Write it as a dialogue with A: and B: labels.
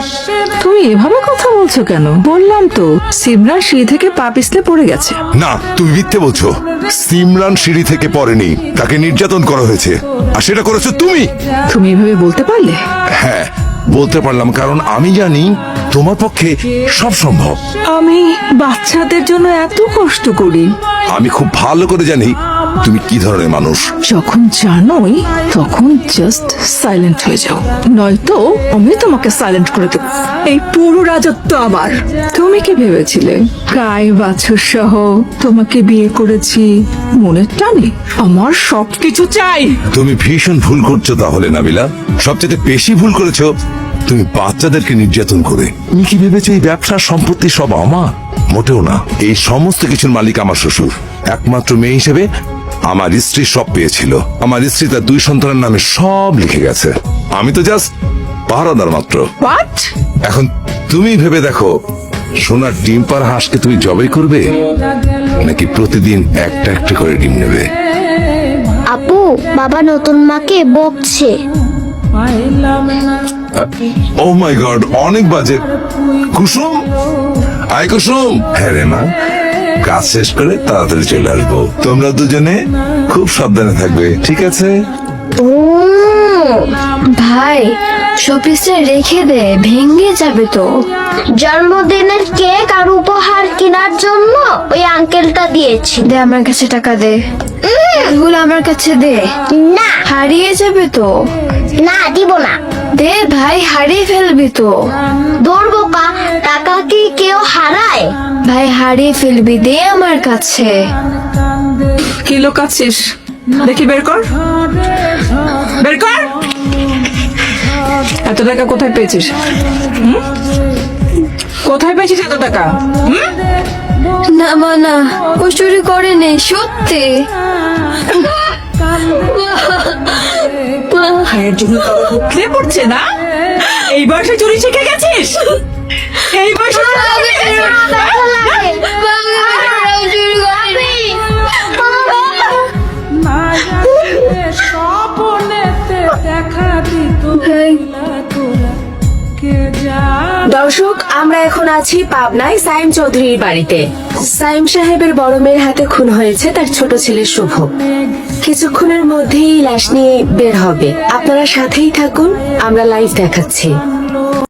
A: তুমি এভাবে কথা বলছো কেন? বললাম তো সিমরান সিঁড়ি থেকে পা পিছলে পড়ে গেছে।
B: না, তুমি মিথ্যে বলছো। সিমরান সিঁড়ি থেকে পড়েনি, তাকে নির্যাতন করা হয়েছে, আর সেটা করেছো তুমি।
A: তুমি এভাবে বলতে পারলে?
B: হ্যাঁ, বলতে পারলাম, কারণ আমি জানি তোমার পক্ষে সব সম্ভব।
A: আমি বাচ্চাদের জন্য এত কষ্ট করি।
B: আমি খুব ভালো করে জানি তুমি কি ধরনের মানুষ।
A: যখন জানোই তখন জাস্ট সাইলেন্ট হয়ে যাও, নয়তো আমি তোমাকে সাইলেন্ট করে দেবো। এই পুরো রাজত্ব আমার। তুমি কি ভেবেছিলে গায়ে বাছুর সহ তোমাকে বিয়ে করেছি মনের টানে? আমার সবকিছু চাই।
B: তুমি ভীষণ ভুল করছো তাহলে নাবিলা। সবচেয়ে বেশি ভুল করেছো তুমি বাচ্চাদেরকে নির্যাতন করে। তুমি কি ভেবেছো এই ব্যবসার সম্পত্তি সব আমার? মোটেও না। এই সমস্ত কিছুর মালিক আমার শ্বশুর। একমাত্র মেয়ে হিসেবে আমার স্ত্রী সব পেয়েছিল। আমার স্ত্রী তার 2 সন্তানের নামে সব লিখে গেছে। আমি তো জাস্ট পাহারাদার মাত্র।
A: হোয়াট?
B: এখন তুমি ভেবে দেখো, সোনার ডিম পার হাঁসকে তুমি জবাই করবে, নাকি প্রতিদিন একটা একটা করে ডিম নেবে?
C: আপু, বাবা নতুন মাকে বকছে।
B: ও মাই গড, অনেক বাজে। কুসুম, আয় কুসুম। হ্যাঁ রে মা, কাজ শেষ করে তাড়াতাড়ি চলে আসবো। তোমরা দুজনে খুব সাবধানে থাকবে, ঠিক আছে?
C: ও ভাই, শোপিসটা রেখে দে, ভেঙে যাবে তো। জন্মদিনের কেক আর উপহার কেনার জন্য ওই আঙ্কেলটা দিয়েছি।
D: দে আমার কাছে টাকা দে। এগুলো আমার কাছে দে,
C: না
D: হারিয়ে যাবে তো।
C: না, দিব না।
D: দে ভাই, হারিয়ে ফেলবি তো।
C: দৌড় বোকা, টাকা কি কেউ হারায়?
D: ভাই হারিয়ে ফেলবি, দে আমার কাছে।
A: কি লোকাচ্ছিস? দেখি বের কর, বের কর। এত টাকা কোথায় পেয়েছিস? কোথায় পেয়েছিস এত টাকা?
D: না মা, না, ও চুরি করে নেই, সত্যি।
A: ভাইয়ের জন্য উঠলে পড়ছে না? এই বয়সে চুরি শিখে গেছিস? এই বয়সে চুরি শিখে গেছিস?
E: দর্শক, আমরা এখন আছি পাবনায় সাইম চৌধুরীর বাড়িতে। সাইম সাহেবের বড় মেয়ের হাতে খুন হয়েছে তার ছোট ছেলে শুভ। কিছুক্ষণের মধ্যেই লাশ নিয়ে বের হবে। আপনারা সাথেই থাকুন, আমরা লাইভ দেখাচ্ছি।